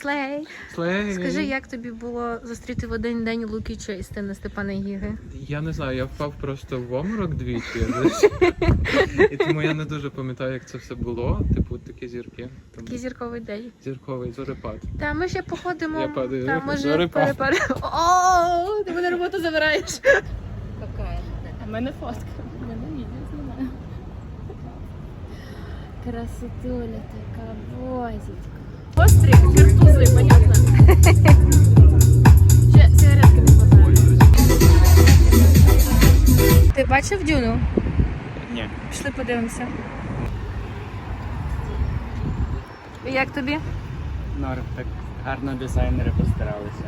Слей! Слей! Скажи, як тобі було зустріти в один день Лукіча і Стена Степана Гіги? Я не знаю, я впав просто в оморок двічі. І тому я не дуже пам'ятаю, як це все було. Типу, такі зірки. Такий зірковий день. Зірковий зорепад. Та ми ще походимо. Я падаю. Та, може, Зорепад. О, ти мене роботу забираєш. Какая? У мене фотка. У мене відео знімаю. Красотуля така, бозічка. Острі, картузи, понятно? Ще сигаретки не хватає. Ти бачив Дюну? Ні. Пішли подивимося. І як тобі? Норм, так гарно дизайнери постаралися.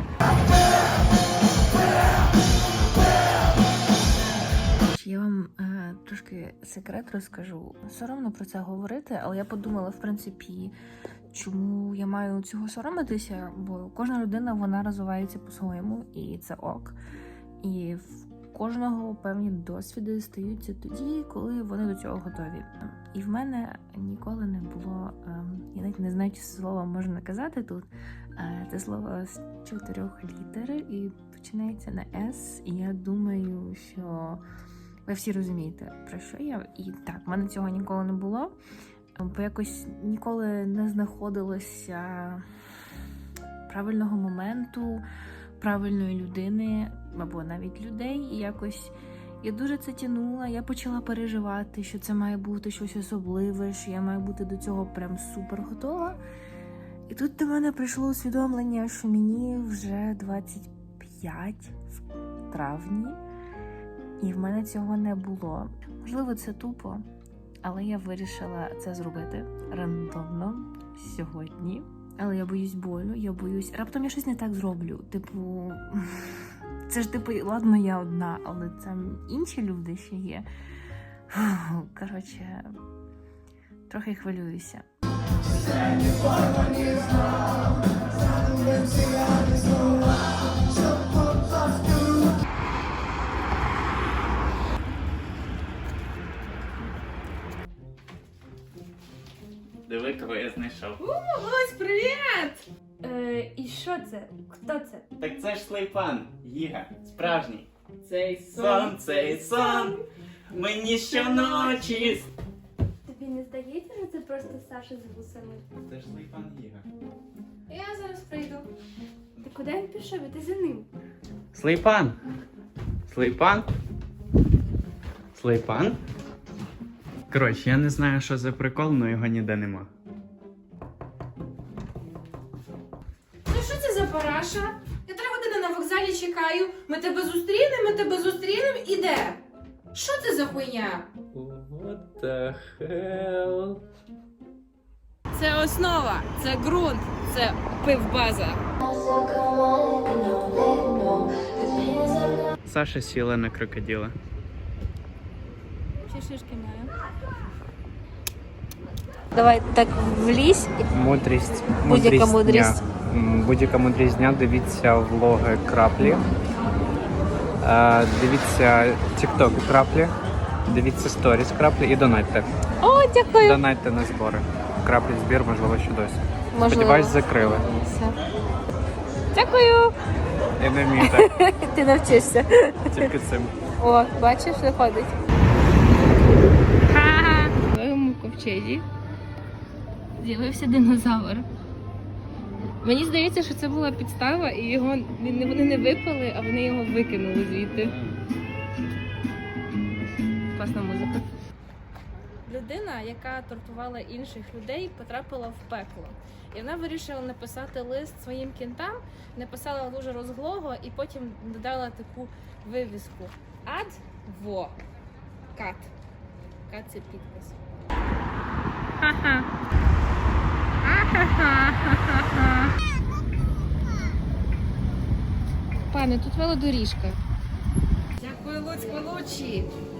Я вам трошки секрет розкажу. Соромно про це говорити, але я подумала, в принципі, чому я маю цього соромитися, бо кожна людина, вона розвивається по-своєму, і це ок. І в кожного певні досвіди стаються тоді, коли вони до цього готові. І в мене ніколи не було, я навіть не знаю, чи це слово можна казати тут, це слово з 4 літер і починається на «С», і я думаю, що ви всі розумієте, про що я. І так, в мене цього ніколи не було, бо якось ніколи не знаходилося правильного моменту, правильної людини, або навіть людей. І якось я дуже це тягнула, я почала переживати, що це має бути щось особливе, що я маю бути до цього прям супер готова. І тут до мене прийшло усвідомлення, що мені вже 25 в травні, і в мене цього не було. Можливо, це тупо, але я вирішила це зробити рандомно сьогодні. Але я боюсь болю, я боюсь... Раптом я щось не так зроблю. Типу, це ж типу, ладно, я одна, але там інші люди ще є. Коротше, трохи хвилююся. Диви, кого я знайшов. Ось, привіт! І що це? Хто це? Так це ж Слейпан, Гіга, справжній. Цей Цей сон, мені щоночі. Тобі не здається, що це просто Саша з вусами? Це ж Слейпан Гіга. Я зараз прийду. Ти куди він пішов? Іди за ним. Слейпан! Слейпан? Слейпан? Коротше, я не знаю, що за прикол, але його ніде нема. Ну що це за параша? Я 3 години на вокзалі чекаю. Ми тебе зустрінемо і де? Що це за хуйня? What the hell? Це основа, це ґрунт, це пивбаза. Саша сіла на крокодила. Чи шишки маю? Давай так влізь. Мудрість. Будь-яка мудрість. Будь-яка мудрість дня. Дивіться влоги Краплі. Дивіться TikTok Краплі. Дивіться сторіс Краплі і донатьте. О, дякую. Донатьте на збори. Краплі збір, можливо, що досі. Можливо. Сподіваюсь, закрили. Все. Дякую. Я не вмію так, Ти навчишся. тільки цим. О, бачиш, виходить. Ха-ха. В новому ковчезі з'явився динозавр. Мені здається, що це була підстава, і його вони не випали, а вони його викинули звідти. Класна музика. Людина, яка тортувала інших людей, потрапила в пекло. І вона вирішила написати лист своїм кінтам, написала дуже розглого і потім додала таку вивіску. Адвокат. Кат це підпис. Ха-ха. Пане, тут велодоріжка. Дякую, Луцько, Лучі.